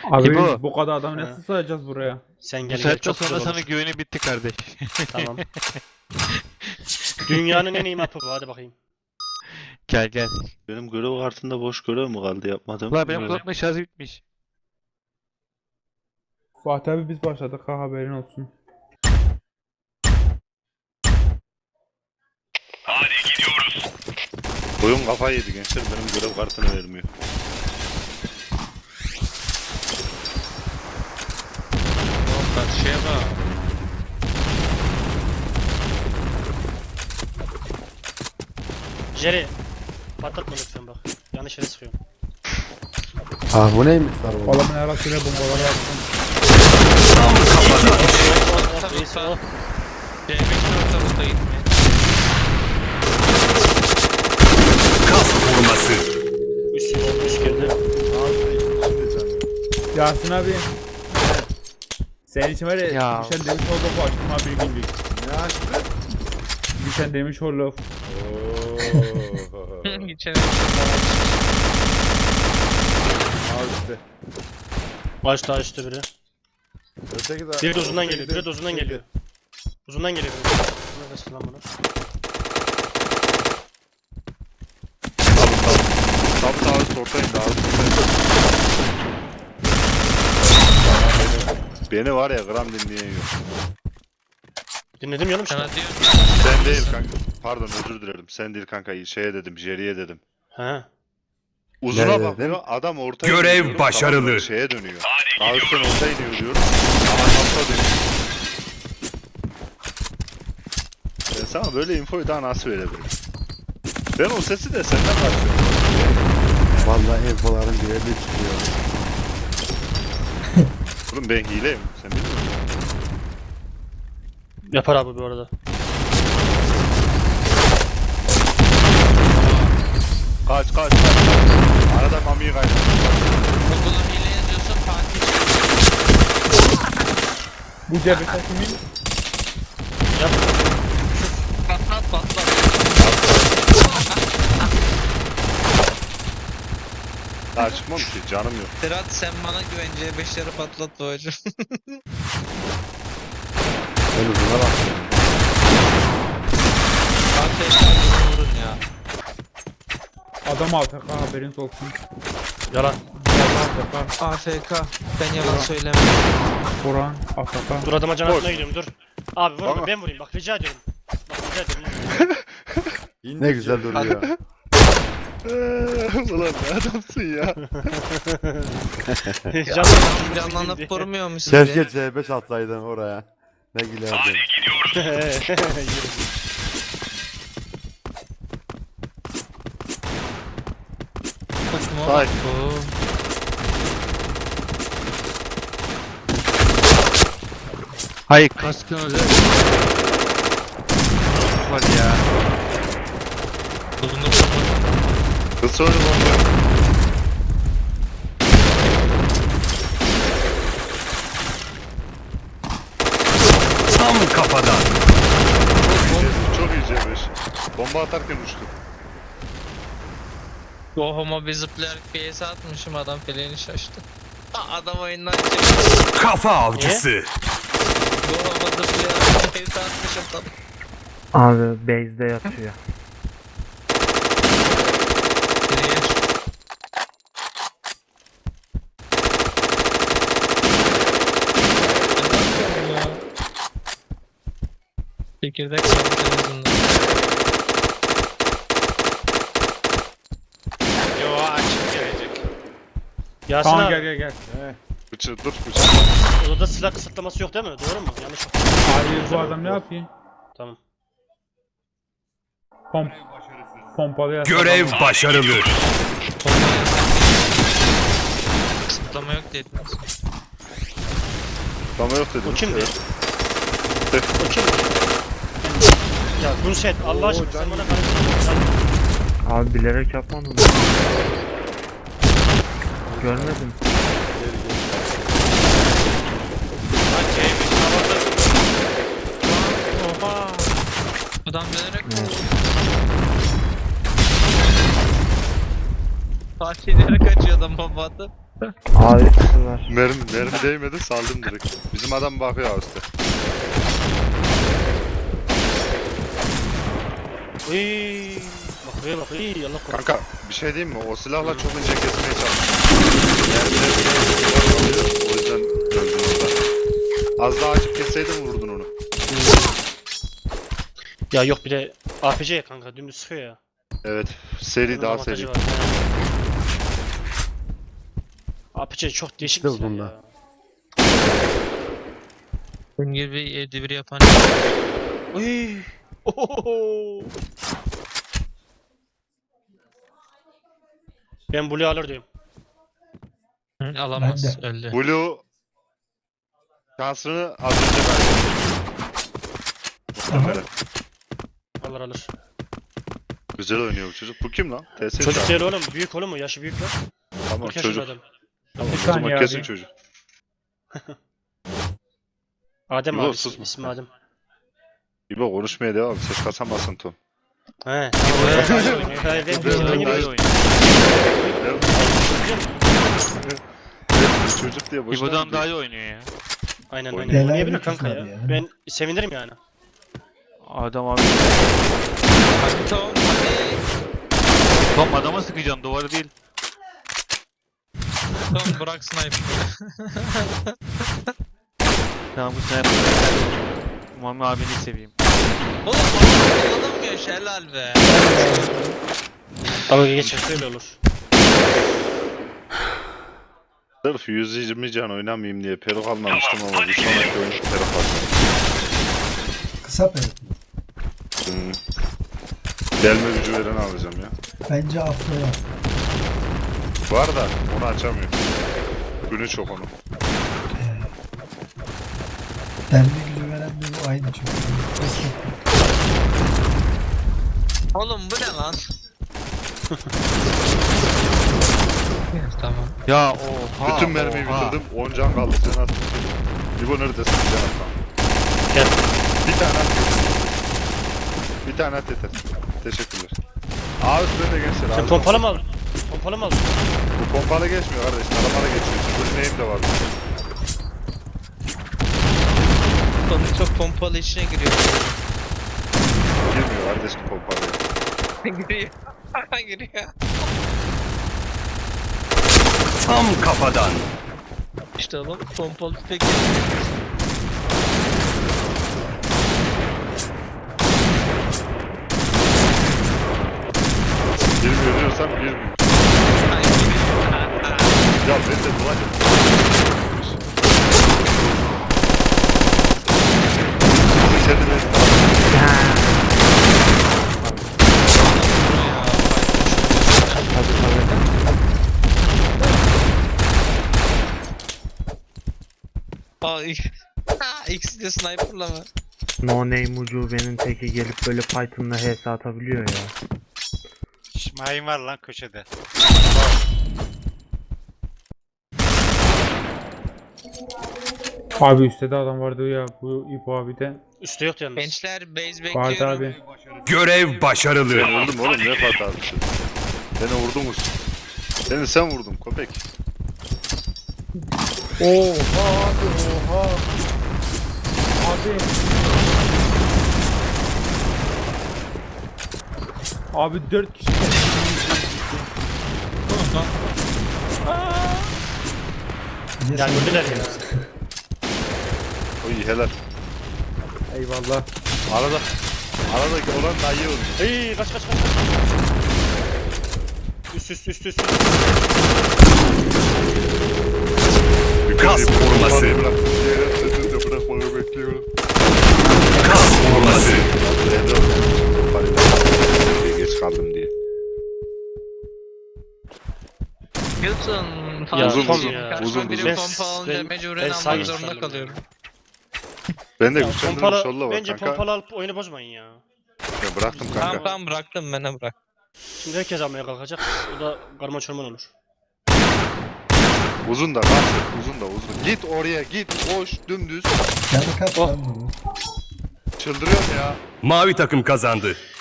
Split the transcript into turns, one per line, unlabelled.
Abi
İbo.
bu kadar adam
Ha.
nasıl sığacağız buraya?
Sen
Bu
gel gel
saatten
çok
sonra
güzel
sana
olur.
güveni bitti kardeş.
Tamam. Dünyanın en iyi mapı bu, hadi bakayım.
Gel gel.
Benim görev kartında boş görev mi kaldı yapmadım?
Ulan benim kulaklık şarjı bitmiş.
Fatih abi biz başladık ha, haberin olsun.
Oyun kafayı yedi gençler, benim görev kartını vermiyor.
Karşıya bak.
Jerry. Patlatma lütfen bak. Yanlış yere sıkıyorum.
Ah bu neymiş lan bu?
Adamın arasıyla bombaları attım.
Reis o.
C5 ortalıkta gitme.
Üst girdi.
Yasin abi. Senin için var ya,
Ya.
Gülşen Demişoğlu açtım abi bir günlük.
Ne açtı?
Gülşen Demişoğlu.
Geçen
Açtı.
Açtı biri.
Öteki de.
Biri de uzundan geliyor. Biri de uzundan geliyor. Uzundan geliyor biri. Neredesin lan bunu?
Tam sağ ortayım daha Beni var ya gram dinleyen yok.
Dinledim yanım işte.
sana diyorum.
Sen değil kanka. Pardon özür dilerim. Sen değil kanka. Şeye dedim, Jerry'e dedim.
He.
Uzuna
Nerede
bakıyor,
dedim?
adam ortaya
Görev
iniyor,
başarılı.
tamam mı? Şeye dönüyor. Daha üstten ortaya iniyor diyorum. Ama nokta dönüyor. Ben sana böyle infoyu daha nasıl verebilirim? Ben o sesi de senden kaçıyorum.
Vallahi infoların bir yerde çıkıyor.
Oğlum ben hileyim. Sen bilmiyor musun?
Yapar abi bu arada.
Kaç. Arada mamiyi kaybettim.
Google'a hile yazıyorsa Fatih
Bu cebete kimin?
Yap.
patlat.
Daha çıkmam ki canım yok.
Serhat sen bana güven C5'leri patlat babacım.
Ben uzuna bakıyorum.
AFK vurun ya.
Adam AFK haberiniz olsun.
Yalan.
AFK.
AFK. Ben yalan söylemem.
Kur'an AFK.
Dur adama can atmaya gidiyorum dur. Abi vurma
Tamam.
ben vurayım bak rica ediyorum. Bak rica ediyorum.
Ne güzel duruyor.
Ulan ne adamsın ya.
Canlanıp vurmuyor musun?
Keşke C5 atsaydın oraya. Ne gülerdin.
Say.
Hayır kaskın özel. Var ya. Uzun
Kız söyle bomba.
Tam kafadan.
Çok iyi Cemreş. Bomba atarken uçtu.
O homo bir zıplayarak PS atmışım adam feleğini şaştı. Adam oyundan çıktı.
Kafa avcısı.
Bu homo zıplayarak PS atmışım tam.
Abi base'de yatıyor.
Geriye. Çekirdek sandı televizyonda.
Yo açık gelecek. Yasin
Tamam
abi.
gel.
Dur bıçak.
Odada silah kısıtlaması yok değil mi? Doğru mu? Yanlış yok.
Hayır bu adam ne yapıyor?
Tamam.
Pompalı yasak.
Görev başarılı.
Kısıtlama yok dediniz.
Tamam yok dedim.
O kimdi? O kimdi? Ya Gunset Allah aşkına sen bana karıştırdın.
Abi bilerek yapmadım. Görmedim.
Oha. Adam bilerek mi? Fatih bilerek kaçıyor adam baba atıp.
Abi üstü var.
Mermi değmedi saldım direkt. Bizim adam bakıyor üstte.
Uy. Bakıyor bak. İyi Allah korusun.
Kanka bir şey diyeyim mi? O silahla çok ince kesmeye çalıştım. O yüzden öldün orada. Az daha açıp kesseydin vurdun onu.
Ya yok bir de APC ya kanka dümdüz sıkıyor ya.
Evet. Seri
Bunun
daha
avantajı
seri.
var. APC çok değişik
İşte
bir silah
bunda.
ya.
Bunun gibi 7-1 yapan.
Uy. Ohoho. Ben Blue alır diyorum.
Hı, alamaz. Öldü.
Blue şansını az önce verdi. Muhtemelen.
Alır alır.
Güzel oynuyor bu çocuk. Bu kim lan? TS
Çocuk
çağırdı.
değil oğlum. Büyük oğlum o. Yaşı büyük lan.
Tamam
40 yaşında
çocuk.
adam.
Tamam,
Bir
o zaman
saniye
kesin
abi.
çocuk.
Adem
Yok,
abi.
susma.
İsmi Adem.
İbo konuşmaya devam. Ses kasamazsın Tom.
He. Tamam. Ben
Çocuk diye boşuna
İbo'dan
mı
daha
diyor?
iyi oynuyor ya.
Aynen
Oynuyor.
aynen. Oynayabilir kanka ya.
ya.
Ben sevinirim yani.
Adam abi.
Hadi Tom hadi.
Tom adama sıkacaksın duvarı değil.
Tom bırak sniper.
Tamam bu sniper. Mami abini seveyim.
Oğlum bana kullanamıyor helal be.
Ama geçerse öyle olur.
Sırf 120 can oynamayayım diye peruk almamıştım ama bir sonraki oyun peruk alacağım.
Kısa peruk mu?
Hmm. Delme gücü veren alacağım ya.
Bence afro var.
Var da onu açamıyorum. Günü çok onun.
Derme gücü veren de bu aynı çünkü. Eski.
Oğlum bu ne lan? Tamam.
Ya oha.
Bütün mermiyi
oha.
bitirdim. 10 can kaldı. Sen at. İbo neredesin? Can at lan.
Gel.
Bir tane at. Bir tane at yeter. Teşekkürler. Abi size de gençler.
Sen
abi.
pompalı mı aldın? Pompalı mı aldın?
Bu pompalı geçmiyor kardeş. Taramalı geçiyor. Bunun neyim de var.
Tom çok pompalı içine giriyor.
Girmiyor kardeşim pompalı.
giriyor. giriyor.
Tam kafadan.
İşte oğlum pompalı tüfek.
Girmiyor diyorsam girmiyor. Ya ben de dua et. Kendime
Tabii tabii.
İkisi de sniper'la mı?
No name ucubenin teki gelip böyle Python'la HS atabiliyor ya.
Şmayin var lan köşede.
Abi üstte de adam vardı ya bu İpo abi de.
Üstte yok yalnız.
Gençler base
Vardı
bekliyorum.
abi.
Görev başarılı.
ben vurdum oğlum ne hatası. Beni vurdunuz. Beni sen vurdun köpek.
Oha abi oha. Abi. Abi 4 kişi.
Bir de
Yani
sen-
öldüler ya.
Oy helal.
Eyvallah.
Aradaki olan da iyi oldu.
Hey kaç. Üst.
Kas vurması.
Bırakmayı bekliyorum.
Kas vurması.
Geç kaldım diye.
Biliyorsun
Ya,
fazla
uzun,
karşıma
uzun,
biri
uzun.
pompa alınca
Ben
mecburen
sağ
almak zorunda
gösterdim.
kalıyorum.
Ben de
Ya,
güçlendirilmiş
pompalı,
yolla var
bence
kanka.
pompalı alıp oyunu bozmayın ya.
Ya bıraktım kanka.
Tamam bıraktım bana bırak.
Şimdi herkes almaya kalkacak. O da karma çorman olur.
Uzun da lan. Uzun da uzun. Git oraya git. Koş dümdüz.
Canı kaç lan bunu?
Çıldırıyorum ya.
Mavi takım kazandı.